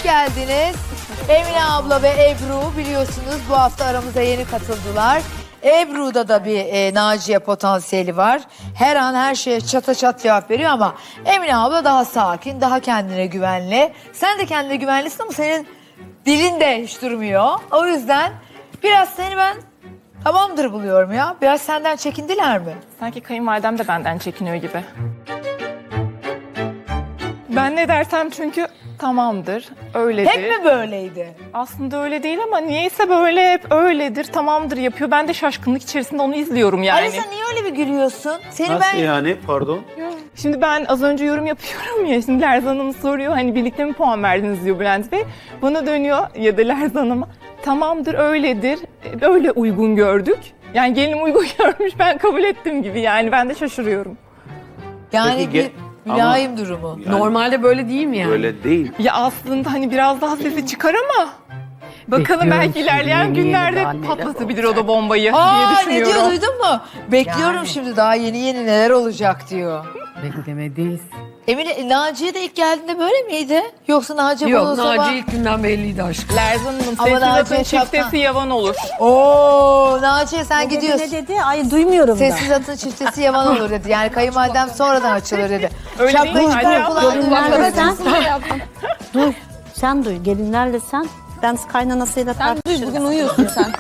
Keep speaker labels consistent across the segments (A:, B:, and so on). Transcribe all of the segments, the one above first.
A: geldiniz. Emine abla ve Ebru biliyorsunuz bu hafta aramıza yeni katıldılar. Ebru'da da bir Naciye potansiyeli var. Her an her şeye çata çat cevap veriyor ama Emine abla daha sakin, daha kendine güvenli. Sen de kendine güvenlisin ama senin dilin de hiç durmuyor. O yüzden biraz seni ben tamamdır buluyorum ya. Biraz senden çekindiler mi?
B: Sanki kayınvalidem de benden çekiniyor gibi. Ben ne dersem çünkü tamamdır, öyledir.
A: Hep mi böyleydi?
B: Aslında öyle değil ama niyeyse böyle hep öyledir, tamamdır yapıyor. Ben de şaşkınlık içerisinde onu izliyorum yani.
A: Alisa niye öyle bir gülüyorsun? Seni
C: Nasıl
A: ben...
C: yani? Pardon.
B: Şimdi ben az önce yorum yapıyorum ya, şimdi Lerzan Hanım soruyor hani birlikte mi puan verdiniz diyor Bülent Bey. Bana dönüyor ya da Lerzan Hanım'a tamamdır, öyledir, öyle uygun gördük. Yani gelinim uygun görmüş, ben kabul ettim gibi yani ben de şaşırıyorum.
A: Yani
C: Peki,
A: bir mülayim durumu.
C: Yani
D: Normalde böyle değil mi yani?
C: Öyle değil.
B: Ya aslında hani biraz daha sesi çıkar ama bakalım
D: Bekliyorum
B: belki ilerleyen
D: şimdi, yeni
B: günlerde
D: daha neler
B: patlatabilir o da bombayı diye
A: Aa ne
B: düşünüyorum.
A: diyor duydun mu? Bekliyorum
D: Yani.
A: şimdi daha yeni neler olacak diyor.
D: Beklemedeyiz.
A: Emine, Naciye de ilk geldiğinde böyle miydi? Yoksa Naciye
D: Yok,
A: bana o sabah...
D: Naciye ilk günden belliydi aşkım.
B: Lerzan Hanım
A: Ama
B: sesi
A: Naciye
B: atın çiftesi
A: şapka-
B: yavan olur.
A: Oo Naciye sen gidiyorsun.
E: Ne dedi? Ay duymuyorum da.
A: Sessiz atın çiftesi yaman olur dedi. Yani kayınvalidem sonradan açılır dedi.
B: Öyle
A: Şapkayı
B: değil mi?
A: çıkar
B: Hadi
A: kulağına.
E: Gelinlerle sen duy. Sen duy. Gelinlerle sen. Ben kaynanasıyla tartışırım.
F: Bugün uyuyorsun sen.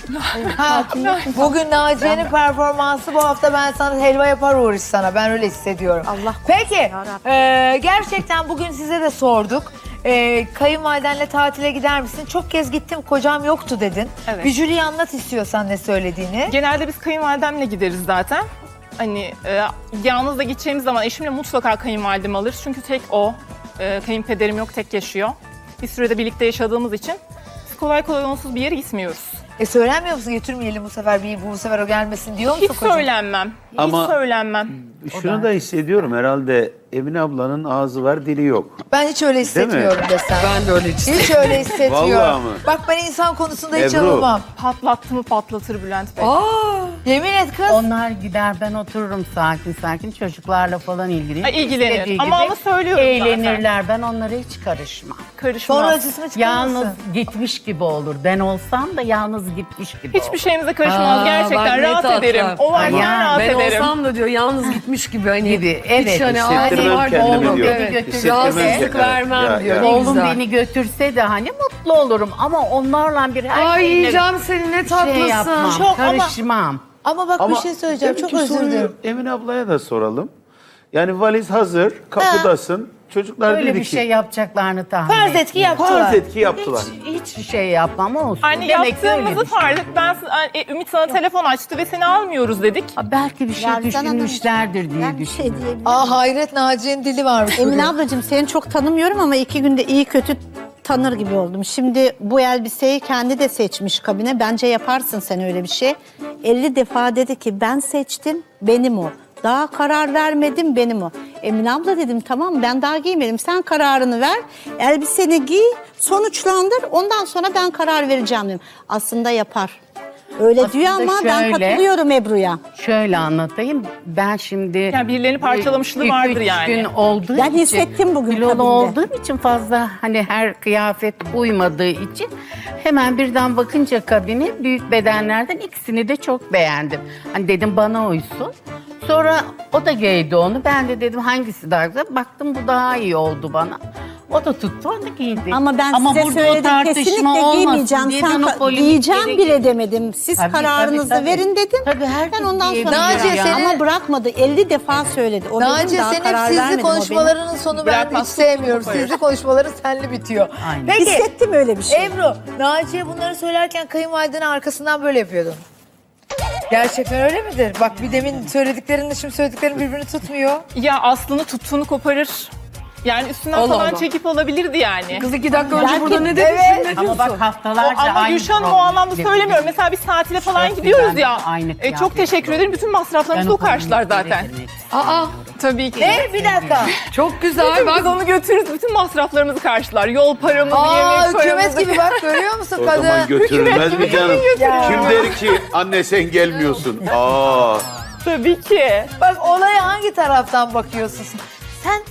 A: Ha, bugün Naciye'nin performansı bu hafta ben sana helva yapar uğraş sana. Ben öyle hissediyorum.
E: Allah
A: Peki
E: yarabbim.
A: gerçekten bugün size de sorduk. Kayınvalidenle tatile gider misin? Çok kez gittim kocam yoktu dedin.
B: Evet.
A: Bir jüriye anlat istiyorsan ne söylediğini.
B: Genelde biz kayınvalidemle gideriz zaten. Hani yalnız da gideceğimiz zaman eşimle mutlaka kayınvalidem alır. Çünkü tek o. Kayınpederim yok, tek yaşıyor. Bir sürede birlikte yaşadığımız için biz kolay kolay onsuz bir yere gitmiyoruz.
A: Söylenmiyor musun götürmeyelim bu sefer bu sefer o gelmesin diyor musun
B: Hiç
A: kocam?
B: söylenmem.
C: Ama-
B: Hiç söylenmem.
C: Şunu da hissediyorum herhalde Emine ablanın ağzı var dili yok.
A: Ben hiç öyle hissetmiyorum desem.
D: Ben de öyle
A: Hiç öyle hissetmiyorum.
C: Vallahi mı?
A: Bak ben insan konusunda hiç
C: Ebru.
A: alınmam.
B: Patlattı mı patlatır Bülent Bey.
A: Yemin et kız.
G: Onlar gider, ben otururum sakin sakin çocuklarla falan ilgilenir.
B: İlgilenir.
G: İstediği
B: Ama
G: gibi
B: söylüyorum
G: eğlenirler. Ben onlara hiç karışmam.
B: Karışmaz.
A: Sonra acısını çıkarmasın.
G: Yalnız gitmiş gibi olur. Ben olsam da yalnız gitmiş gibi
B: Hiçbir şeyimize karışmaz.
D: Aa,
B: Gerçekten
D: bak ne
B: rahat
D: tatlı.
B: ederim. O varken
G: Ya,
B: rahat
D: Ben
B: ederim.
D: olsam da diyor yalnız gitmiş gibi hani.
G: gibi. Evet.
D: Hiç hani
C: Hissettirmem
D: ağzı var
C: kendimi
D: oğlum.
C: diyor.
D: Evet.
G: Götürmez.
D: Rahatsızlık vermem
C: Ya,
D: diyor.
C: ya.
D: Ne
G: Oğlum
D: güzel.
G: beni götürse de hani mutlu olurum. Ama onlarla bir her
D: Ay
G: şeyle
D: yiyeceğim seni ne tatlısın.
G: şey yapmam,
A: Çok ama-
G: karışmam.
A: Ama bak bir şey söyleyeceğim. Çok
C: deminki
A: özür
C: soruyu
A: dilerim.
C: Emine ablaya da soralım. Yani valiz hazır, kapıdasın. Çocuklar
G: Öyle
C: dedi
G: bir
C: ki
G: şey yapacaklarını tahmin
A: Farz
G: etmiyorum.
A: et ki yaptılar.
C: farz et ki yaptılar.
G: Hiçbir şey yapmam olsun.
B: Hani
G: Demek ki öyle
B: yaptığımızı
G: bir şey.
B: farz et. Ümit sana telefon açtı ve seni almıyoruz dedik.
G: Ha, belki bir şey
E: Lerzan Hanım,
G: düşünmüşlerdir diye
E: Ben bir şey
G: düşünüyorum.
E: diyebilirim.
A: Aa hayret Naciye'nin dili varmış.
E: Emine
A: bugün.
E: ablacığım seni çok tanımıyorum ama 2 günde iyi kötü tanır gibi oldum. Şimdi bu elbiseyi kendi de seçmiş kabine. Bence yaparsın sen öyle bir şey. 50 defa dedi ki ben seçtim, benim o. Daha karar vermedim, benim o. Emine abla dedim tamam ben daha giymedim. Sen kararını ver, elbiseni giy, sonuçlandır. Ondan sonra ben karar vereceğim dedim. Aslında yapar. Öyle
G: Aslında
E: diyor ama ben
G: şöyle.
E: katılıyorum Ebru'ya.
G: Şöyle anlatayım. Ben şimdi...
B: Yani birilerini parçalamışlığı vardır
G: 2-3
B: yani.
G: gün olduğu
E: Ben
G: için...
E: hissettim bugün
G: kilolu
E: kabinde.
G: olduğum için fazla hani her kıyafet uymadığı için... Hemen birden bakınca kabini büyük bedenlerden ikisini de çok beğendim. Hani dedim bana uysun. Sonra o da giydi onu. Ben de dedim hangisi daha güzel. Baktım bu daha iyi oldu bana. O da tuttu onu giydi.
E: Ama ben size
G: burada o
E: söyledim
G: tartışma
E: kesinlikle
G: olmasın
E: giymeyeceğim.
G: diye
E: Sen
G: ben o polemikleri
E: giyeceğim bile demedim. Siz
G: Tabii,
E: kararınızı
G: tabii, tabii.
E: verin dedim.
G: Tabii, herkes
E: ben ondan
G: giyebilir
E: sonra
A: Naciye,
E: giyeceğim.
A: senin-
E: Ama bırakmadı. 50 defa söyledi. O benim
A: Naciye
E: daha
A: senin hep
E: karar
A: sizli
E: vermedim, o benim.
A: konuşmalarının sonu ben hiç
B: Bırakmaz,
A: sevmiyorum.
B: tuttuğunu
A: Sizli konuşmaların senli bitiyor.
G: Aynen.
A: Peki
E: Hissettim öyle bir şey.
A: Ebru, Naciye bunları söylerken kayınvalidenin arkasından böyle yapıyordun. Gerçekten öyle midir? Bak bir demin söylediklerinle şimdi söylediklerin birbirini tutmuyor.
B: Ya aslını tuttuğunu koparır. Yani üstünden
D: Allah
B: falan
D: Allah.
B: çekip olabilirdi yani.
D: Kız 2 dakika önce
E: Belki-
D: burada ne dedin
A: Evet.
D: şimdi ne
G: Ama
D: diyorsun?
G: bak haftalarca
B: Ama
G: aynı
B: Gülşen o
G: problemi
B: anlamda söylemiyorum.
G: yaşadık.
B: Mesela biz tatile falan
G: Çok
B: gidiyoruz
G: güzel,
B: ya.
G: aynı
B: Çok
G: kıyafet.
B: teşekkür ederim. Bütün masraflarımızı
G: Ben
B: o karşılar
G: polemikleri
B: zaten.
G: girmek
D: Aa
B: Tabii ki.
A: Ne? Bir dakika.
D: çok güzel
B: Biz
D: bak.
B: onu götürürüz. Bütün masraflarımızı karşılar. Yol paramızı,
A: Aa
B: yemek
A: hükümet
B: paramızı.
A: gibi bak görüyor musun
C: O
A: kadın?
C: zaman götürülmez mi canım?
A: Ya.
C: Kim der ki anne sen gelmiyorsun? Aa.
B: Tabii ki.
A: Bak olaya hangi taraftan bakıyorsun? Sen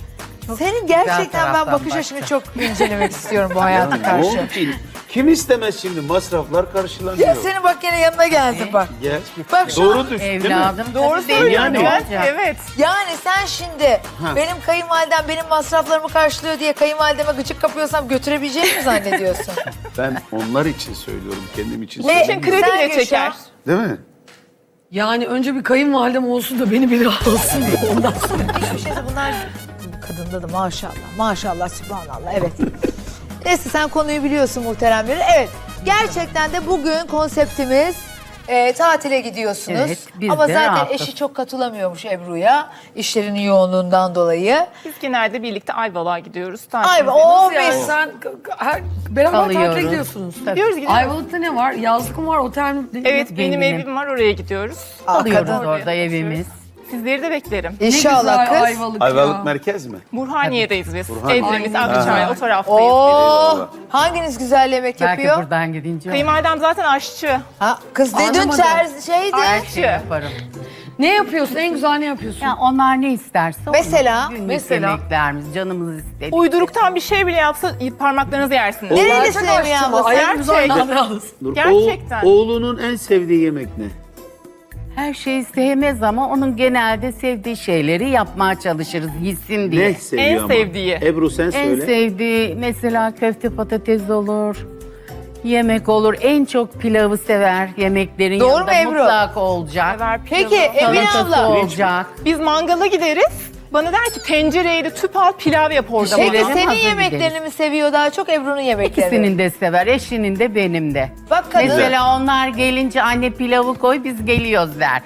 A: Senin gerçekten ben
G: taraftan
A: bakış
G: baktı.
A: açını çok incelemek istiyorum bu hayata
C: Ne
A: karşı.
C: oldu ki? Kim istemez şimdi? Masraflar karşılanıyor.
A: Ya senin bak yine yanına geldim bak.
C: Gel.
A: Bak şu
C: Doğru düş, değil mi?
G: Evladım
B: Doğru
G: tabii benim
B: söylüyor
C: Yani-
B: Bülent.
G: olacak.
B: Evet.
A: Yani sen şimdi benim kayınvalidem benim masraflarımı karşılıyor diye kayınvalideme gıcık kapıyorsam götürebileceğini mi zannediyorsun?
C: Ben onlar için söylüyorum, kendim için
B: Bunun için
C: söylemiyorum.
A: Sen
B: krediyle
A: Gülşah.
B: çeker.
C: Değil mi?
D: Yani önce bir kayınvalidem olsun da beni bir alsın ondan sonra.
A: Hiçbir şeyse bunlar kadında da maşallah. Maşallah sübhanallah evet. Neyse sen konuyu biliyorsun muhteremleri. Evet gerçekten de bugün konseptimiz tatile gidiyorsunuz.
G: Evet, biz
A: Ama
G: de
A: zaten
G: rahatız.
A: eşi çok katılamıyormuş Ebru'ya. İşlerinin yoğunluğundan dolayı.
B: Biz genelde birlikte Ayvalık'a gidiyoruz.
A: Ay o
D: Nasıl yani
A: biz.
D: sen beraber tatile
G: Kalıyoruz.
D: gidiyorsunuz.
B: Gidiyoruz gidiyoruz.
D: Ayvalık'ta ne var? Yazlık mı var? Otel mi?
B: Evet benim
G: Benim.
B: evim var oraya gidiyoruz.
G: Alıyoruz
A: kadın.
G: orada evimiz.
B: Sizleri de beklerim.
A: İnşallah
D: güzel
A: kız.
D: Ayvalık,
C: Ayvalık
D: ya.
C: merkez mi?
B: Burhaniye'deyiz biz.
C: Burhaniye.
B: Edremit,
D: Aynen.
B: Akçay o taraftayız.
A: Oo, hanginiz güzel yemek
G: Belki
A: yapıyor?
G: buradan gidince
B: Kayınvalidem zaten aşçı.
A: Ha, kız ne dün
D: Anlamadım.
A: şeydi.
G: her şeyi yaparım.
D: Ne yapıyorsun? En güzel ne yapıyorsun?
G: Ya onlar ne isterse onu.
A: Mesela?
G: Günlük
D: Mesela?
G: yemeklerimiz, canımız istedi.
B: Uyduruktan bir şey bile yapsa parmaklarınızı yersiniz.
A: Nerelisin
D: Gerçek
A: Emine
D: aşçı mı?
A: abla?
D: Ayak güzel
B: Gerçek.
D: yalnız.
C: Dur,
B: Gerçekten.
C: Oğlunun en sevdiği yemek ne?
G: Her şeyi sevmez ama onun genelde sevdiği şeyleri yapmaya çalışırız hissin diye.
C: Ne seviyor
B: En
C: ama?
B: sevdiği.
C: Ebru sen
G: En
C: söyle.
G: sevdiği mesela köfte patates olur. Yemek olur. En çok pilavı sever. Yemeklerin
A: Doğru
G: yanında
A: mu Ebru?
G: mutlak olacak.
B: Sever
A: Peki
B: pilavı.
A: Emine
G: Salatası
A: abla.
G: olacak.
B: Biz mangala gideriz. Bana der ki tencereye de tüp al pilav yap orada.
A: Peki
G: Verelim,
A: senin
G: hazır
A: yemeklerini
G: gideriz.
A: mi seviyor daha çok Ebru'nun yemeklerini?
G: İkisinin de sever. Eşinin de benim de.
A: Bak kadın.
G: Mesela onlar gelince anne pilavı koy biz geliyoruz der.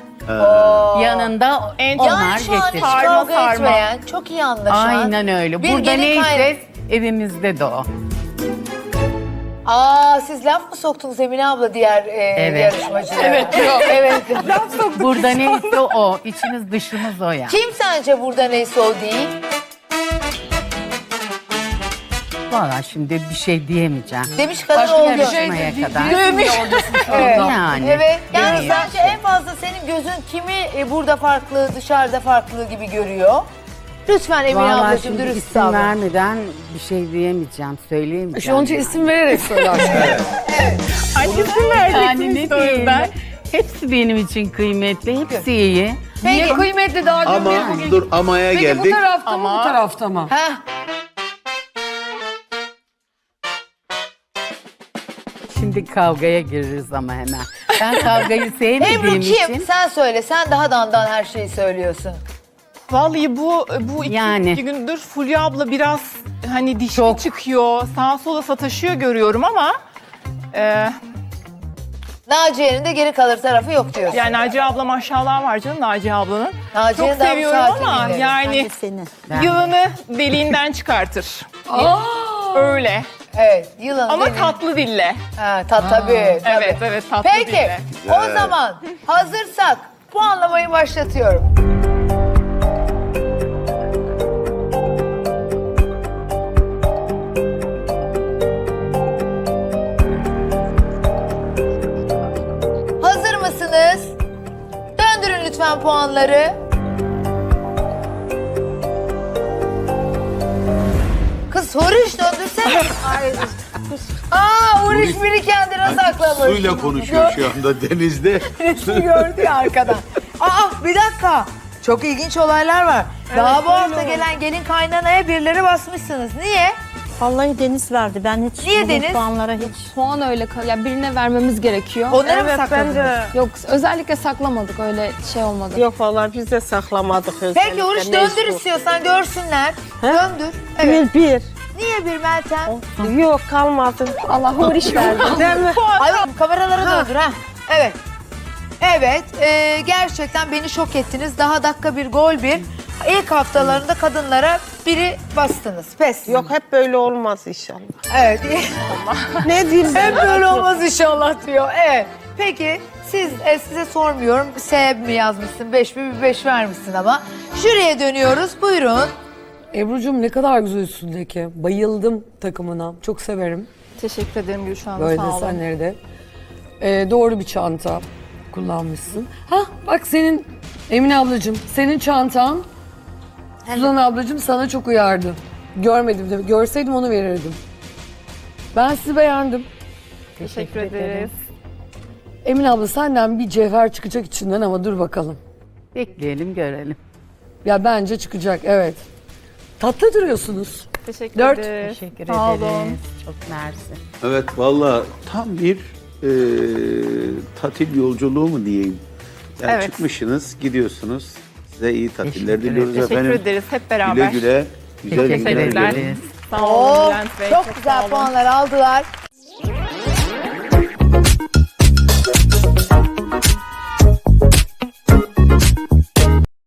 G: Yanında
B: En-
G: onlar
A: Yani şu an hiç
G: getirir.
B: Sarma,
A: kavga
B: sarma.
A: etmeyen, çok iyi anlaşan.
G: Aynen öyle.
A: Bir
G: Burada
A: gelin
G: neyse evimizde de o.
A: Aa siz laf mı soktunuz Emine abla diğer
G: Evet.
A: yarışmacılara? Evet. Evet.
G: Burada neyse o. İçimiz dışımız o yani.
A: Kim sence burada neyse o değil?
G: Valla şimdi bir şey diyemeyeceğim.
A: Demiş kadın
G: Başka
A: oldu.
G: yarışmaya kadar.
A: Evet.
G: Yani.
A: Evet. Yani
G: Demiyor.
A: sence en fazla senin gözün kimi burada farklı, dışarıda farklı gibi görüyor? Lütfen Emine
G: Valla
A: ablacığım
G: şimdi
A: dürüst
G: isim
A: davran.
G: vermeden bir şey diyemeyeceğim, söyleyemeyeceğim.
D: Şu an için isim vererek söylersin.
B: Annesi
G: Yani
B: vereceksiniz
G: ne
B: işte o
G: diyeyim
B: yüzden.
G: ben? Hepsi benim için kıymetli, hepsi iyi.
D: Niye kıymetli daha dün
C: Ama
D: bugün.
C: dur amaya
D: Peki
C: geldik.
D: bu tarafta mı
B: Ama-
D: bu tarafta mı?
A: Heh.
G: Şimdi kavgaya gireriz ama hemen. Ben kavgayı
A: Ebru
G: sevmediğim
A: kim?
G: için
A: Sen söyle. Sen daha dandan her şeyi söylüyorsun.
B: Vallahi bu iki
G: Yani.
B: gündür Fulya abla biraz hani dişli
G: Çok.
B: çıkıyor, sağa sola sataşıyor görüyorum ama
A: Naciye'nin de geri kalır tarafı yok diyorsun.
B: yani Naciye abla maşallah var canım Naciye ablanın.
A: Naciye'nin
B: Çok
A: daha
B: seviyorum
A: sakin
B: ama
A: dinleriz.
B: yani
E: Seni.
B: yılını deliğinden çıkartır. Öyle.
A: Evet. Yılan
B: Ama
A: değil mi?
B: tatlı dille.
A: Ha, tabii.
B: Evet evet tatlı
A: Peki.
B: dille.
A: O zaman hazırsak puanlamayı başlatıyorum. Hazır mısınız? Döndürün lütfen puanları. Kız Huriş döndürsene. Ay, Huriş biri kendine saklamış.
C: Suyla konuşuyor şu anda denizde.
A: Resmi gördü ya arkadan. Bir dakika. Çok ilginç olaylar var. Daha bu hafta gelen gelin kaynanaya birileri basmışsınız. Niye?
E: Vallahi Deniz verdi. Ben hiç
A: Niye
E: bu
A: Deniz?
E: puanlara hiç.
F: Puan öyle ya birine vermemiz gerekiyor.
A: Onları mı sakladınız?
F: Yok özellikle saklamadık öyle şey olmadı.
H: Yok vallahi biz de saklamadık özellikle.
A: Peki Huriş döndür istiyorsan görsünler. Döndür.
H: Bir
A: Evet.
H: bir.
A: Niye bir Meltem?
H: Yok kalmadı.
F: Allah huriş verdi.
H: Değil mi?
A: Ay kameralara döndür ha. Evet. Evet, gerçekten beni şok ettiniz. Daha dakika bir gol bir. İlk haftalarında kadınlara biri bastınız. Pes.
H: Yok hep böyle olmaz inşallah.
A: Evet.
H: Ne diyeyim ben?
A: Hep böyle olmaz inşallah diyor. Evet. Peki size sormuyorum. S mi yazmışsın, 5 mi, bir 5 vermişsin ama. Jüriye dönüyoruz. Buyurun.
D: Ebru'cum ne kadar güzel üstündeki. Bayıldım takımına. Çok severim.
B: Teşekkür ederim Gülşah Hanım
D: Böyle
B: sağ olun.
D: desenleri de. Doğru bir çanta kullanmışsın. Bak senin Emine ablacığım senin çantan Suzan ablacığım sana çok uyardı. Görmedim tabii. Görseydim onu verirdim. Ben sizi beğendim.
B: Teşekkür ederiz.
D: Emine abla senden bir cevher çıkacak içinden ama dur bakalım.
G: Bekleyelim görelim.
D: Ya bence çıkacak, evet. Tatlı duruyorsunuz.
B: Teşekkür
D: 4.
B: ederiz.
G: Teşekkür
B: Sağ
G: ederiz.
B: olun.
G: Çok mersi.
C: Evet valla tam bir tatil yolculuğu mu diyeyim. Yani
B: Evet.
C: çıkmışsınız, gidiyorsunuz. Size iyi tatiller
G: Teşekkür
C: diliyoruz
B: Teşekkür
C: efendim.
B: ederiz hep beraber.
C: Güle güle. Güzel
G: Teşekkür
C: günler
B: Teşekkürler.
C: dilerim.
G: ederiz.
B: Sağ olun
A: Oo,
B: Bülent Bey.
A: çok
B: sağ
A: güzel
B: olun.
A: puanlar aldılar.